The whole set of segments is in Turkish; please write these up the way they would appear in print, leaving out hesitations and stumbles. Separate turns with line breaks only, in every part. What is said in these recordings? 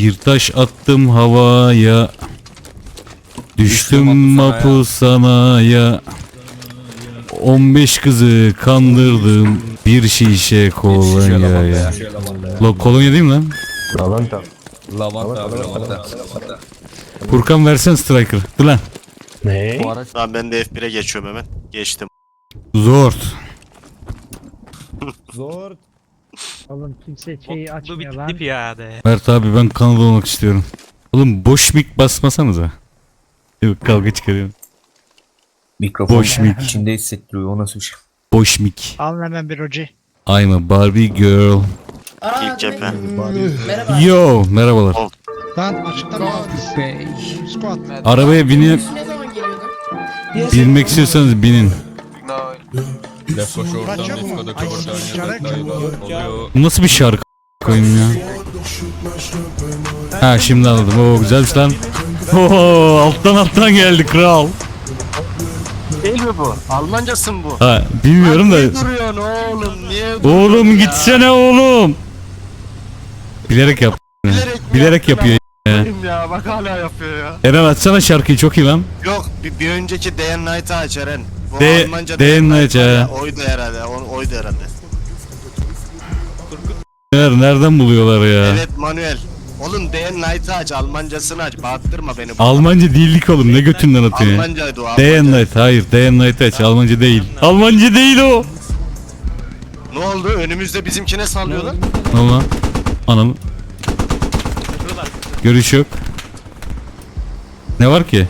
Bir taş attım havaya, düştüm mapusanaya. 15 kızı kandırdım bir şişe kolonyaya. Kolonya değil mi lan?
Lavanta.
Lavanta.
Furkan versen striker. Dur lan.
Ne?
Tamam ben de F1'e geçiyorum hemen. Geçtim.
Zor.
Zor.
Oğlum kimse şeyi
Bu
açmıyor
bir
lan.
tip ya de.
Mert abi ben Kanada olmak istiyorum. Oğlum boş mik basmasanıza. Yok, kavga çıkarıyorum.
Mikrofon
Boş mik.
içinde hissettiriyor, o nasıl bir şey?
Boş mik.
Alın hemen bir hoca.
I'm a Barbie girl.
İlk cephe.
Merhaba.
Yo, merhabalar.
Lan açıkta mı aldın? Squat.
Arabaya binip
Ne zaman geliyordun?
binmek istiyorsanız binin.
Kaç yok mu? Ay çarek.
Bu nasıl bir şarkı koyayım ya? Ha şimdi anladım. Oo güzelmiş lan. Oo alttan geldi kral.
Değil mi bu? Almancası mı bu?
Ha bilmiyorum da.
Niye duruyorsun oğlum? Niye
Oğlum gitsene oğlum. Bilerek yap. Bilerek yapıyor ya.
Ya bak hala yapıyor ya.
Eren açsana şarkıyı, çok iyi lan.
Yok bir önceki Day and Night'ı aç Eren. Bu
Day-
Almanca
Day and Night
var ya,
ha.
oydu herhalde. Oydu herhalde.
Nereden buluyorlar ya?
Evet Manuel. Oğlum Day and Night'ı aç. Almancasını aç. Bağırttırma beni.
Almanca değillik oğlum, ne götünden atıyor ya?
Almancaydı o.
Day and
Almanca.
Night, hayır Day and Night aç, Almanca değil. Almanca değil o.
Ne oldu? Önümüzde bizimkine sallıyorlar.
Ne oldu lan? Anam. Görüş yok. Ne var ki?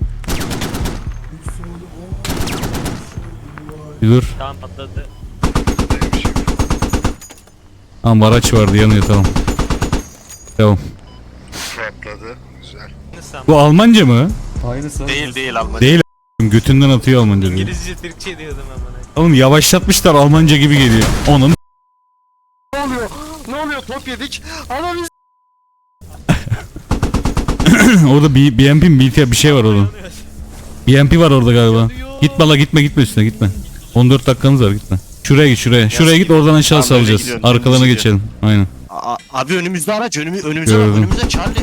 Bir dur.
Tamam patladı.
Tamam araç vardı yanıyor, tamam. Tamam. Bu Almanca mı?
Değil Almanca.
Değil götünden atıyor Almanca diyor.
İngilizce Türkçe diyordum amına.
Oğlum yavaşlatmışlar, Almanca gibi geliyor. Onun
Ne oluyor? Top yedik. Ama biz...
orada BMP mi BT bir şey var orada. BMP var orada galiba. Gitme la, gitme üstüne gitme. 14 dakikamız var, gitme. Şuraya git şuraya. Şuraya git, oradan aşağı
Tamam, öyle
salacağız.
gidiyorum,
Arkalarına
dümdüz
geçelim. Aynen.
Abi önümüzde araç. Önümüze
Gördüm.
bak. Önümüzde Charlie.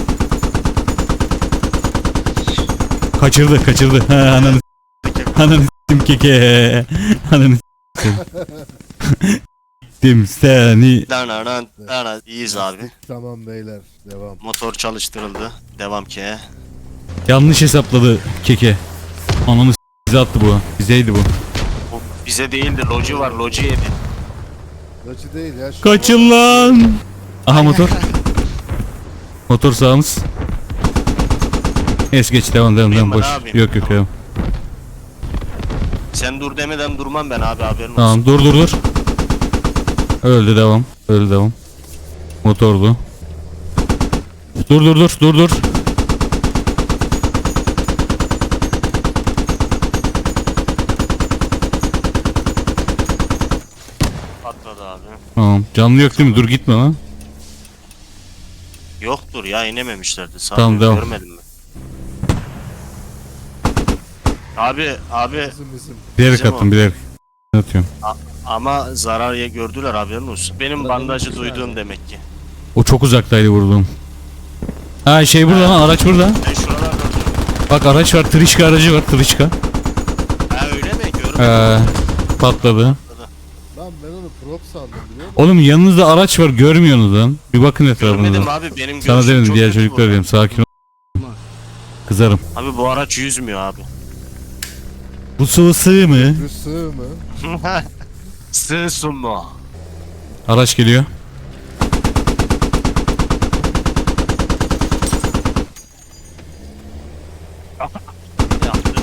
Kaçırdı. Ha, ananı s**tim keke. Ananı s**tim. S**tim seni.
Dana. İyiyiz abi.
Tamam beyler, devam.
Motor çalıştırıldı. Devam ki.
Yanlış hesapladı keke. Ananı s**, bize attı bu. Bizeydi bu.
Bu bize değildi. Loji var. Loji yedi.
Acı değil ya.
Kaçın lan. Aha motor. Motor sağımız. Geç devam
Durayım
boş.
ben abi.
Yok devam.
Sen dur demeden durmam ben abi, haberin olsun.
Tamam dur. Öldü devam. Motordu. Dur.
Patladı abi.
Tamam. Canlı yok değil mi? Dur gitme lan.
Yoktur ya, inememişlerdi. Sağ
Tamam, devam.
görmedim mi? Abi
Bizim.
Bilerek
Bizim
attım,
o.
bilerek. Atıyorum.
ama zarar gördüler, haberin olsun. Benim bandajı duyduğum demek ki.
O çok uzaktaydı vurduğum. Ha şey burada lan, araç burada.
Ben şuralarda duruyorum.
Bak araç var, Trişka aracı var, Trişka.
Ha öyle mi? Görmedim.
Patladı.
Lan ben onu prop sandım biliyor musun?
Oğlum yanınızda araç var, görmüyorsunuz lan. Bir bakın
Görmedim
etrafınıza.
abi, benim
Sana
görüşüm
dedim,
çok
diğer
kötü
çocuklar
bu.
dedim, sakin ol. Kızarım.
Abi bu araç yüzmüyor abi.
Bu sıvı sığ mı?
Bir sığ mı?
Sığsın mu?
Araç geliyor.
Yaptı.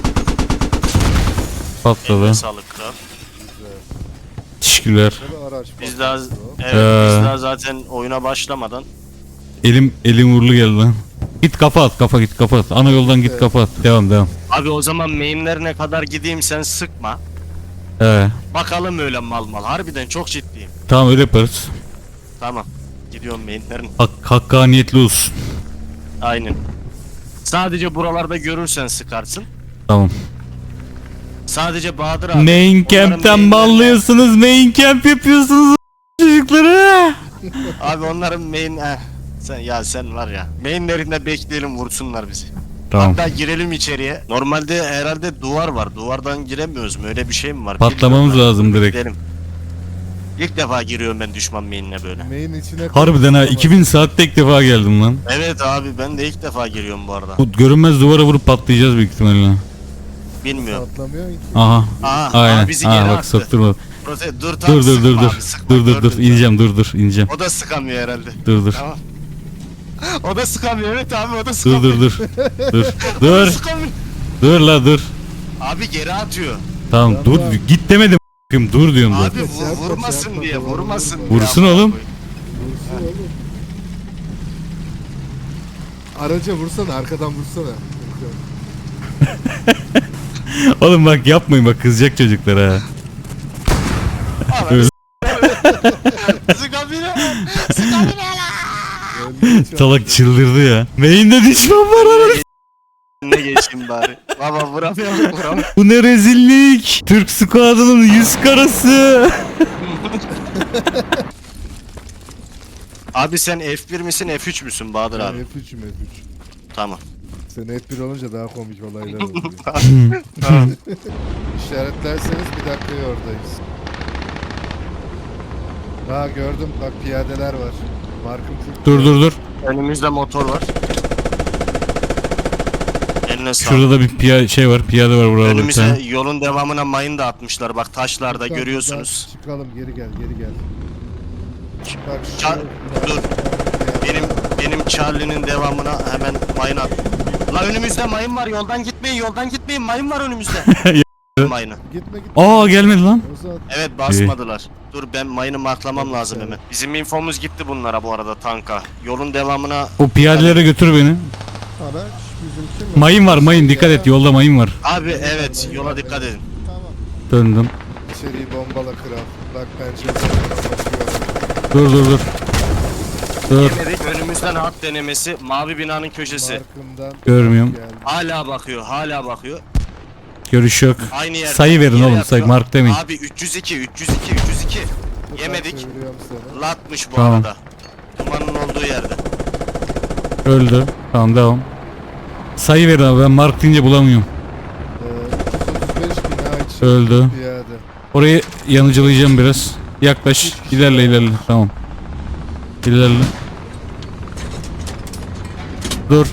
Patladı.
Eline sağlık kral.
Teşekkürler.
Böyle araç
Biz daha,
patladı o.
evet,
Ee.
biz daha zaten oyuna başlamadan
Elim uğurlu geldi lan. Git kafa at. Ana yoldan git kafa at. Devam.
abi o zaman mainlerine kadar gideyim, sen sıkma. Bakalım öyle mal. Harbiden çok ciddiyim.
Tamam öyle yaparız.
Tamam. Gidiyorum mainlerine.
Hakkaniyetli olsun.
Aynen. Sadece buralarda görürsen sıkarsın.
Tamam.
Sadece Bahadır abi.
Main
onların
camp'ten
mainlerine-
ballıyorsunuz. Main camp yapıyorsunuz çocukları.
Abi onların Sen var ya. Mainlerinde bekleyelim vursunlar bizi.
Tamam.
Hatta girelim içeriye. Normalde herhalde duvar var. Duvardan giremiyoruz mu? Öyle bir şey mi var?
Patlamamız
Bilmiyorum
lazım
ben.
direkt.
Gidelim. İlk defa giriyorum ben düşman mainine böyle.
Main içine
Harbiden ha
koymuş
2000 saatte ilk defa geldim lan.
Evet abi ben de ilk defa giriyorum bu arada.
Bu görünmez duvara vurup patlayacağız büyük ihtimalle.
ama
Bilmiyorum.
patlamıyor ki.
Aha.
Aa,
Aynen.
bizi geri
Aa bak
attı.
sokturma.
Dur tamam,
Dur dur dur
sıkma
dur.
abi, sıkma,
Dur dur dur.
gördüm
İneceğim dur ineceğim.
ben. O da sıkamıyor herhalde.
Dur dur.
Tamam. O da sıkamıyor evet abi o da
Dur
sıkamıyor.
dur dur. Dur.
O da
Dur.
sıkamıyor.
Dur la dur.
Abi geri atıyor.
Tamam dur. Git demedim. Dur diyorum
Abi
zaten.
vurmasın
yapma,
diye
yapma,
vurmasın
vurma.
diye.
Vursun
amına
oğlum.
koyayım.
Vursun oğlum. Araca vursana, arkadan vursana.
Oğlum bak yapmayın bak kızacak çocuklar ha.
Sıkamıyor. Sıkamıyor.
Salak çıldırdı ya. Main'de düşman var ananı.
Ne geçeyim bari. Baba vuramıyorum.
Bu ne rezillik. Türk squad'ının 100 karası.
Abi sen F1 misin F3 müsün Bahadır abi?
F3'üm F3.
Tamam.
Sen F1 olunca daha komik olaylar oluyor.
Tamam.
İşaretlerseniz bir dakikaya oradayız. Ha gördüm bak piyadeler var. Markım full.
Dur.
Önümüzde motor var. Eline sağlık.
Şurada da bir şey var. Piyade var burada.
Önümüze yolun devamına mayın da atmışlar. Bak taşlarda
Buradan
görüyorsunuz.
Çıkalım geri gel. Bak
Ça- dur. Benim Charlie'nin devamına hemen mayın at. La önümüzde mayın var. Yoldan gitmeyin. Mayın var önümüzde. Mayını.
Gitme.
Aa gelmedi lan.
O zaman
Evet basmadılar. Dur ben mayını marklamam lazım hemen. Bizim infomuz gitti bunlara bu arada tanka. Yolun devamına
O piyadelere götür beni.
araç bizimki mi?
Mayın var mayın dikkat et yolda mayın var.
abi evet yola dikkat edin.
Tamam.
Döndüm.
İçeriği bombala kral. Bak penceresinden bakıyorum.
Dur. Dur.
Yemedik önümüzden hat denemesi mavi binanın köşesi.
Markımdan
Görmüyorum.
geldi.
Hala bakıyor.
Görüş yok.
Aynı yerde.
Sayı verin
Yere
oğlum
yatıyor.
say mark demeyin.
Abi 302.
Dur,
Yemedik.
ben çeviriyorum seni.
Latmış bu
Tamam.
arada. Dumanın olduğu yerde.
Öldü. Tamam devam. Sayı verin abi ben mark deyince bulamıyorum.
335 bina için
Öldü.
piyade.
Orayı yanıcılayacağım biraz. Yaklaş. İlerle. Tamam. İlerle. Dur.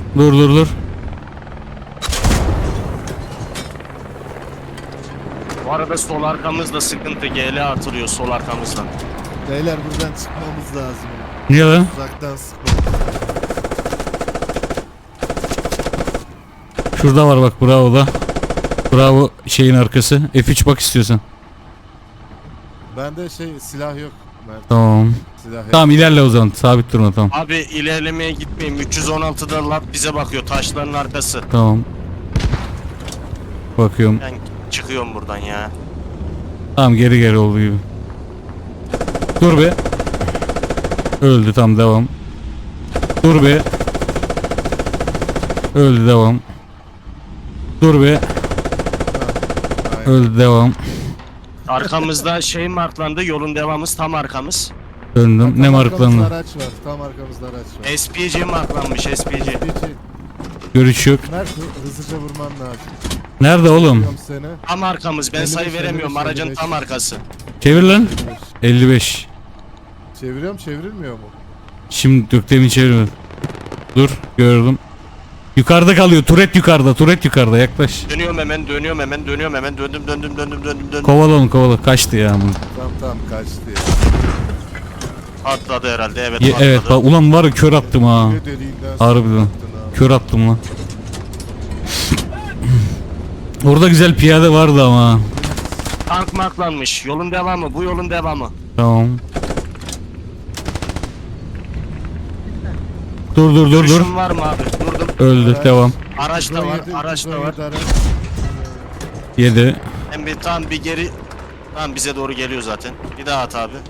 Bu arada sol arkamızda sıkıntı. GL atılıyor sol arkamızdan.
Beyler buradan çıkmamız lazım.
Niye lan?
Uzaktan sıkmamız.
Şurada var bak bravo da. Bravo şeyin arkası. F3 bak istiyorsan.
Bende silah yok. Mert.
Tamam.
Silah yok.
Tamam ilerle o zaman. Sabit durma tamam.
Abi ilerlemeye gitmeyin. 316'da lat bize bakıyor. Taşların arkası.
Tamam. Bakıyorum.
Ben çıkıyorum buradan ya.
Tamam geri olduğu gibi. Dur be. Öldü tamam devam. Dur be. Öldü devam. Dur be.
Aynen.
Öldü devam.
Arkamızda şey marklandı. Yolun devamımız tam arkamız.
Döndüm. Ne
Tam
marklandı?
arkamızda araç var. Tam arkamızda araç var.
SPG marklanmış SPG.
Hiç-
Görüş yok.
Mert hızlıca vurman lazım.
Nerede oğlum?
Vuruyorum seni.
Tam arkamız. Ben
55,
sayı veremiyorum.
55,
Aracın tam arkası.
Çevir lan. 55.
Çeviriyorum çevrilmiyor mu?
Şimdi döktemi çevir. Dur gördüm. Yukarıda kalıyor. Turet yukarıda. Yaklaş.
Dönüyorum hemen. Döndüm.
Kovala. Kaçtı ya.
Tamam kaçtı ya.
Atladı herhalde. Evet atladı.
Evet bak ulan var ya kör attım ha.
Ne deliğinden
Harbiden.
attın ha.
Kör attım lan. Orada güzel piyade vardı ama.
Tank marklanmış. Yolun devamı. Bu yolun devamı.
Tamam. Dur.
Görüşün var mı abi? Durdum.
Öldü
Araç.
devam.
Araç da var.
117,
Araç da var.
117 araç.
7.
Hem bir tam bir geri. Tam bize doğru geliyor zaten. Bir daha at abi.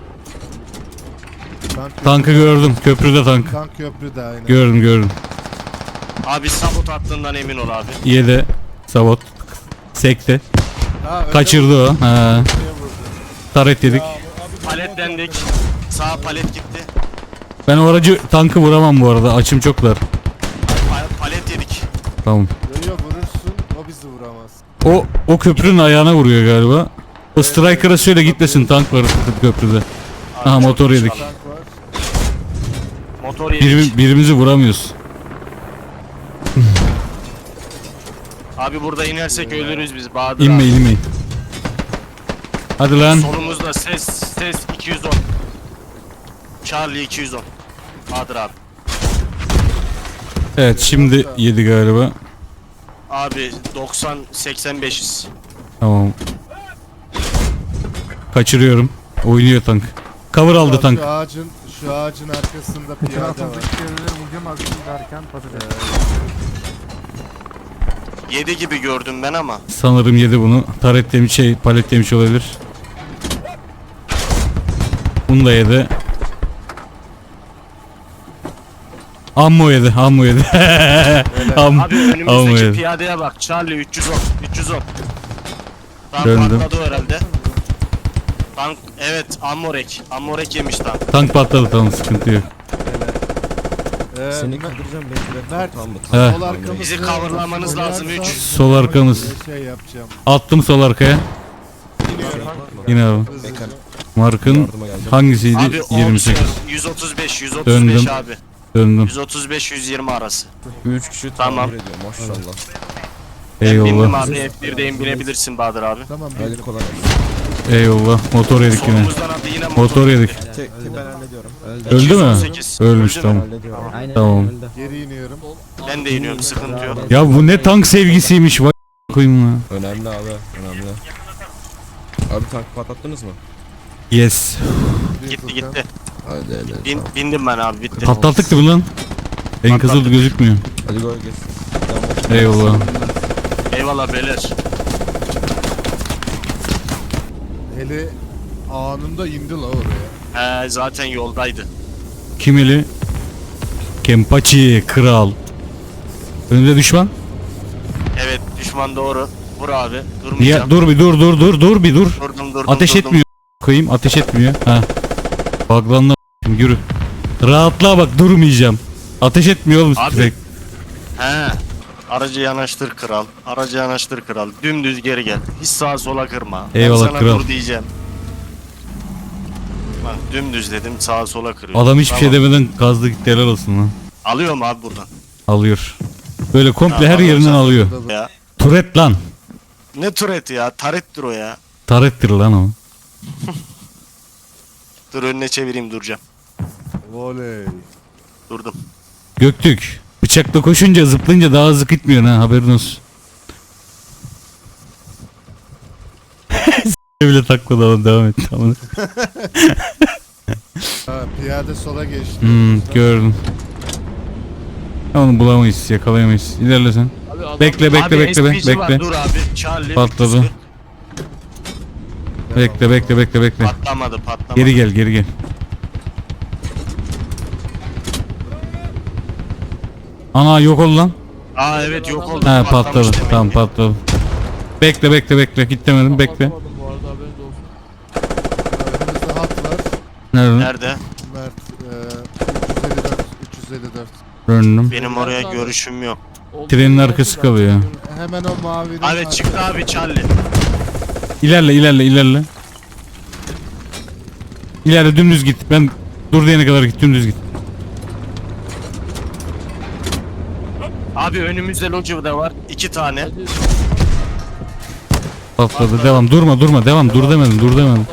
Tankı gördüm. Köprüde tank.
Tank köprüde aynen.
Gördüm.
Abi sabot attığından emin ol abi.
7. Sabot. Sekti.
Ha, öyle
Kaçırdı o. Ha.
buraya vurdu.
Taret yedik.
Paletlendik. Sağ palet gitti.
Ben o aracı tankı vuramam bu arada. Açım çok dar.
Palet yedik.
Tamam.
Yo vurursun o bizi vuramaz.
O köprünün ayağına vuruyor galiba. O Striker'a söyle gitmesin, tank var köprüde. Aha, motor yedik.
Tank var.
Motor yedik.
Birimizi vuramıyoruz.
Abi burada inersek ölürüz biz Bahadır
İnmeyin
abi.
inmeyin. Hadi lan.
Solumuzda ses 210. Charlie 210. Bahadır abi.
Evet şimdi yedi galiba.
Abi 90-85'iz.
Tamam. Kaçırıyorum. Oynuyor tank. Cover aldı tank.
Şu ağacın arkasında piyade var.
7 gibi gördüm ben ama.
Sanırım yedi bunu. Taret demiş palet demiş olabilir. Bunu da yedi. Ammo yedi. Ammo yedi.
Abi önümüzdeki
yedi.
piyadeye bak. Charlie 310. 310. Tank
Döndüm.
patladı herhalde. Tank evet Ammorek. Ammorek yemiş tank.
Tank patladı, tamam, sıkıntı yok.
Seni
kaldıracağım bekle.
Mert,
He.
sol arkamızı
Bizi coverlamanız lazım, üç.
Sol arkamız.
Şey yapacağım.
Attım sol arkaya. Yine abi.
Hızlıca.
Markın hangisiydi?
Abi
28.
135
Döndüm.
abi.
Döndüm.
135-120 arası.
3 kişi
Tamam.
tamir ediyor maşallah.
Ben bindim
Eyvallah.
abi. F1'deyim, binebilirsin Bahadır abi.
Tamam
Hadi
bir
kolay gelsin.
Eyvallah. Motor yedik yine.
Solumuzdan abi yine
Motor yedik.
Tek ben hallediyorum.
Öldü mü?
218.
Ölmüş,
Öldü mü?
tamam.
Hallediyorum.
Tamam.
geri iniyorum.
Ben de iniyorum, sıkıntı yok.
Ya bu ne tank sevgisiymiş, vay koyayım ya.
Önemli abi önemli. Abi tank patlattınız mı?
Yes.
Gitti gitti.
Hadi hadi.
Bindim ben abi, bitti.
Patlattık da bu lan. En kızıl gözükmüyor.
Hadi gol geç. Tamam.
Eyvallah.
Eyvallah beyler.
Hele anında indi la oraya.
Zaten yoldaydı.
Kimili? Kempachi kral. Önünde düşman.
Evet, düşman doğru. Vur abi.
Niye?
Durmayacağım.
Dur bir dur bir dur.
Durdum.
Ateş
durdum.
etmiyor. Koyayım, ateş etmiyor. Ha. Baglanla yürü. Rahatla bak, durmayacağım. Ateş etmiyor oğlum
Abi.
direkt.
He. Aracı yanaştır kral. Aracı yanaştır kral. Dümdüz geri gel. Hiç sağa sola kırma.
Eyvallah
ben sana
kral.
dur diyeceğim. Bak dümdüz dedim, sağa sola kırıyor.
Adam hiçbir şey demeden gazlı gitti, helal olsun lan.
Alıyorum abi buradan.
Alıyor. Böyle komple
Ha,
her
alıyor
yerinden
zaten.
alıyor.
Ya.
Turet lan.
Ne tureti ya? Tarettir o ya.
Tarettir lan o.
Dur önüne çevireyim, duracağım.
Voley.
Durdum.
Göktürk. Bıçakla koşunca, zıplayınca daha hızlı gitmiyor ha, haberin olsun. bile takmadı ama devam et. Tamam.
Ha, piyade sola geçti.
Gördüm. Onu bulamayız, yakalayamayız. İlerle sen. Bekle
Abi
bekle
SPG var,
bekle.
dur abi. Charlie.
Patladı. Bekle.
Patlamadı.
Geri gel. Ana yok ol lan.
Aa evet, yok oldu.
Ha,
Patlamış
patladı.
demek
Tamam,
ki.
patladı. Bekle. Git demedim, bekle.
Önümüzde hat var.
Nerede?
Nerede?
Mert 354.
Döndüm.
Benim oraya görüşüm yok.
Trenin arkası kalıyor.
Hemen o mavinin
Evet çıktı abi Charlie.
İlerle. İlerle, dümdüz git. Ben dur diyene kadar git, dümdüz git.
Abi önümüzde loca da var. 2 tane.
Patladı. Devam. Durma. Devam. Dur demedim.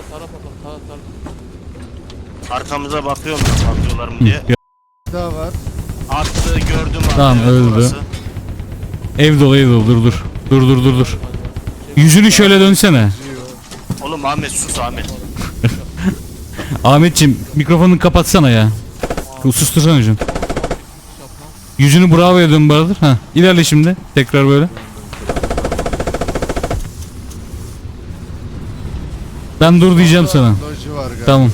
Arkamıza bakıyorum da patlıyorlar mı diye.
Ya,
daha var.
Attı, gördüm abi.
Tamam,
evet,
öldü.
orası.
ev dolu. Dur. Yüzünü şöyle dönsene.
Oğlum Ahmet sus Ahmet.
Ahmetciğim, mikrofonunu kapatsana ya. Sustursana hocam. Yüzünü bravo'ya dön Bahadır. Ha, ilerle şimdi. Tekrar böyle. Ben dur diyeceğim sana.
Loji var galiba.
Tamam.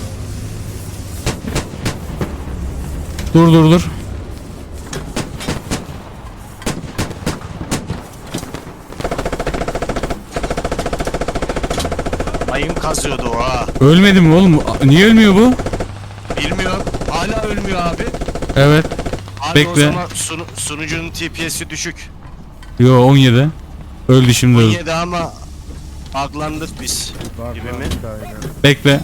Dur.
Mayın kazıyordu o ha.
Ölmedi mi oğlum? Niye ölmüyor bu?
Bilmiyorum. Hala ölmüyor atıyor abi.
Evet.
Abi
Bekle.
o zaman sunucunun TPS'i düşük.
Yo 17. Öldü şimdi öldü.
17 ama buglandık biz.
Bak
Gibi
bak
mi?
aynen.
Bekle.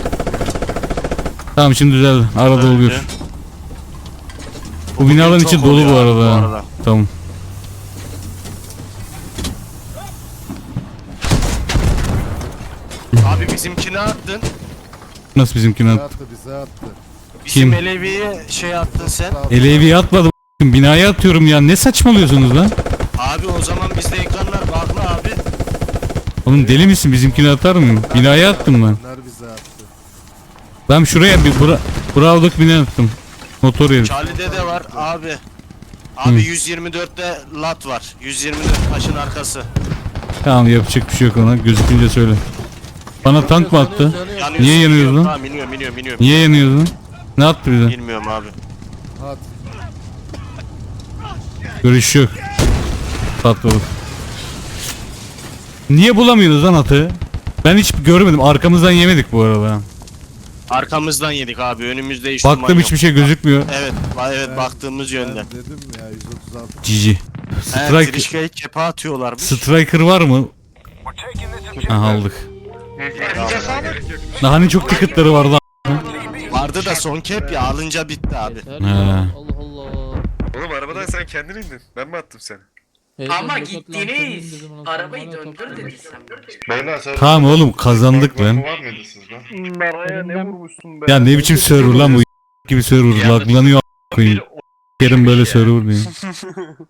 Tamam şimdi düzeldi. Arada oluyor.
Öldü.
Bu binaların
Çok
içi dolu
oluyor
bu
abi
arada. Tamam.
Abi bizimkini attın.
Nasıl bizimkini
Bize
at?
attı bize attı.
Bizim
Kim?
Elevi'ye şey attın sen.
Elevi atmadım. Binaya atıyorum ya. Ne saçmalıyorsunuz lan?
Abi o zaman bizde ekranlar bağlı abi.
Oğlum deli misin? Bizimkini atar mıyım? Binaya attım ben.
Bunlar bize attı.
Ben şuraya bir Bravo'daki binaya attım. Motor herif.
Charlie'de de var abi. Abi 124'te lat var. 124 taşın arkası.
Tamam yapacak bir şey yok ona. Gözükünce söyle. Bana tank mı attı?
Yanıyorsun,
Niye yanıyoruz
iniyorum.
lan?
Tamam iniyorum.
Niye yanıyoruz lan? Ne attı bize?
Bilmiyorum abi.
At.
Görüş yok. Patladık. Niye bulamıyoruz lan atı? Ben hiç görmedim. Arkamızdan yemedik bu arada.
Arkamızdan yedik abi. Önümüzde hiç
Baktım
duman
hiçbir
yok.
şey gözükmüyor.
Evet, evet baktığımız yönden.
Ben dedim ya 136.
Cici.
Evet,
Strike,
Trişka'yı kepe atıyorlarmış.
Striker var mı? Aha aldık. Hani çok ticketları vardı.
Vardı da son kep ya alınca bitti abi.
He.
Allah Allah.
Oğlum arabadan sen kendin indin. Ben mi attım seni?
Ama gittiniz. Arabayı döndür dedi sen.
Beyler sen...
Tamam oğlum kazandık lan.
Var mıydı sizde?
Naraya ne vurmuşsun be?
Ya ne biçim server lan bu gibi server laglanıyor a**ayım. Kerim böyle server diyor.